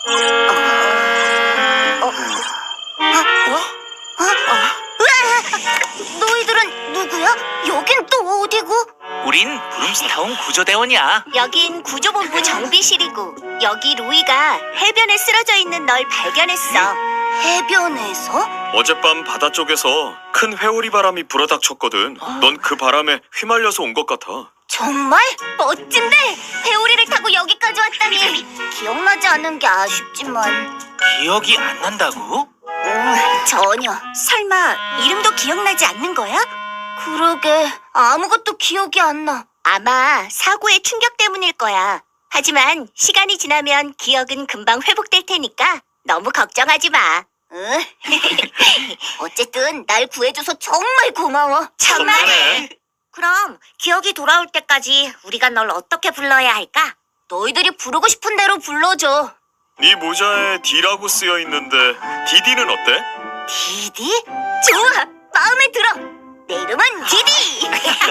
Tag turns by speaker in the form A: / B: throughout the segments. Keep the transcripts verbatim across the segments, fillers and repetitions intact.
A: 어? 어? 어? 으아! 너희들은 누구야? 여긴 또 어디고?
B: 우린 브룸스타운 구조대원이야.
A: 여긴 구조본부 정비실이고 여기 로이가 해변에 쓰러져 있는 널 발견했어. 해변에서?
C: 어젯밤 바다 쪽에서 큰 회오리 바람이 불어닥쳤거든. 넌 그 바람에 휘말려서 온 것 같아.
A: 정말? 멋진데? 회오리를 타고 여기까지 왔다니 기억나지 않는 게 아쉽지만
B: 기억이 안 난다고?
A: 음, 전혀. 설마 이름도 기억나지 않는 거야? 그러게 아무것도 기억이 안 나. 아마 사고의 충격 때문일 거야. 하지만 시간이 지나면 기억은 금방 회복될 테니까 너무 걱정하지 마. 응? 어쨌든 날 구해줘서 정말 고마워.
B: 정말해.
A: 그럼 기억이 돌아올 때까지 우리가 널 어떻게 불러야 할까? 너희들이 부르고 싶은 대로 불러줘.
C: 네 모자에 D라고 쓰여 있는데 디디는 어때?
A: 디디? 좋아! 마음에 들어! 내 이름은 디디!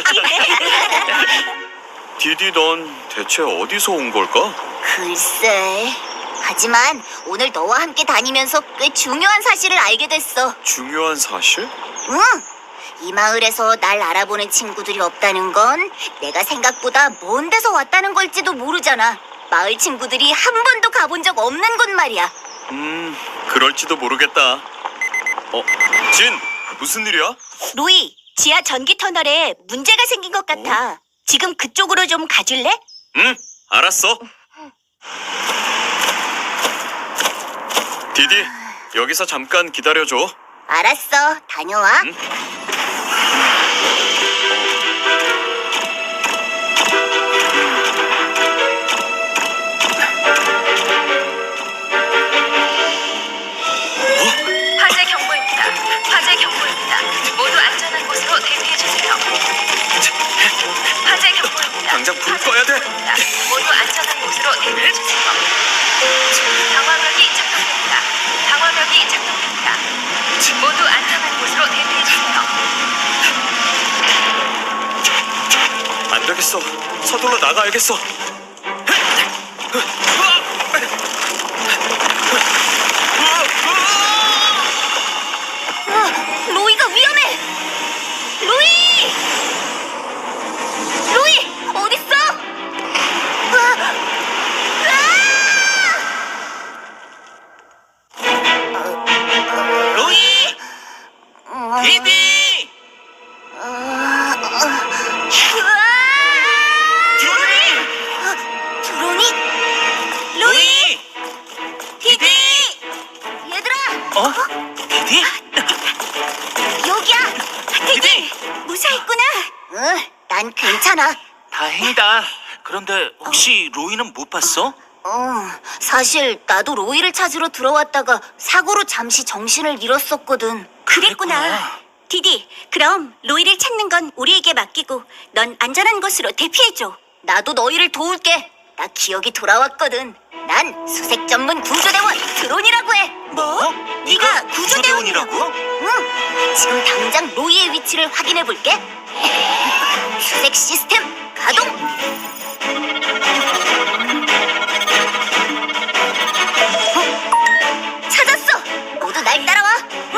C: 디디 넌 대체 어디서 온 걸까?
A: 글쎄... 하지만 오늘 너와 함께 다니면서 꽤 중요한 사실을 알게 됐어.
C: 중요한 사실?
A: 응! 이 마을에서 날 알아보는 친구들이 없다는 건 내가 생각보다 먼 데서 왔다는 걸지도 모르잖아. 마을 친구들이 한 번도 가본 적 없는 곳 말이야.
C: 음, 그럴지도 모르겠다. 어, 진! 무슨 일이야?
A: 로이, 지하 전기 터널에 문제가 생긴 것 같아. 지금 그쪽으로 좀 가줄래?
C: 응, 알았어. 디디, 여기서 잠깐 기다려줘.
A: 알았어, 다녀와.
C: 응?
D: 화재 경보입니다. 화재 경보입니다. 모두 안전한 곳으로 대피해 주세요. 화재 경보입니다.
C: 당장 불
D: 화재
C: 꺼야 돼.
D: 경보입니다. 모두 안전한 곳으로 대피해 주세요. 방화벽이 작동됩니다. 방화벽이 작동됩니다. 모두 안전한 곳으로 대피해 주세요.
C: 안 되겠어. 서둘러 나가야겠어.
A: 어, 로이가 위험해! 로이! 로이! 어딨어? 으아!
B: 로이!
A: 으아!
B: 디디!
A: 으아! 드로니! 드로니?
B: 로이! 디디!
A: 얘들아!
B: 어? 디디?
A: 여기야!
B: 디디!
A: 무사했구나! 응, 난 괜찮아.
B: 다행이다. 그런데 혹시 로이는 못 봤어?
A: 어, 사실 나도 로이를 찾으러 들어왔다가 사고로 잠시 정신을 잃었었거든.
B: 그랬구나.
A: 디디, 그럼 로이를 찾는 건 우리에게 맡기고 넌 안전한 곳으로 대피해줘. 나도 너희를 도울게. 나 기억이 돌아왔거든. 난 수색 전문 구조대원 드론이라고 해.
B: 뭐? 네가 구조대원이라고?
A: 응, 지금 당장 로이의 위치를 확인해 볼게. 수색 시스템 가동. 어? 찾았어. 모두 날 따라와.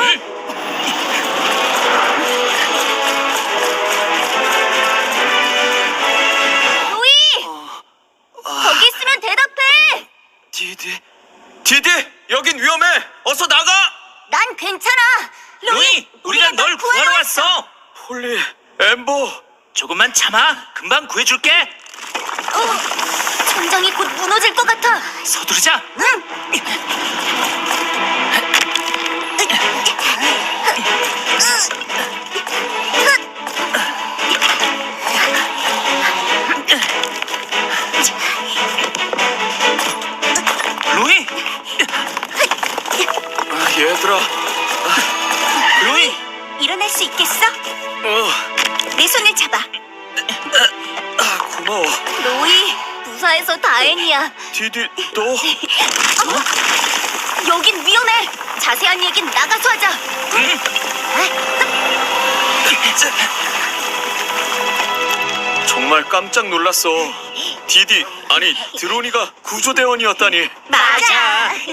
A: 로이, 거기 있으면 대답해.
C: 디디, 디디, 여긴 위험해. 어서 나가.
A: 난 괜찮아.
B: 로이! 우리가 널 구하러 왔어!
C: 폴리, 엠버.
B: 조금만 참아. 금방 구해줄게.
A: 어, 천장이 곧 무너질 것 같아.
B: 서두르자.
A: 응.
B: 로이!
C: 아, 얘들아.
B: 로이!
A: 일어날 수 있겠어?
C: 어,
A: 내 손을 잡아.
C: 아, 고마워.
A: 로이, 무사해서 다행이야.
C: 디디, 너.
A: 어? 여긴 위험해. 자세한 얘긴 나가서 하자.
B: 응?
C: 정말 깜짝 놀랐어. 디디, 아니 드로니가 구조대원이었다니.
A: 맞아.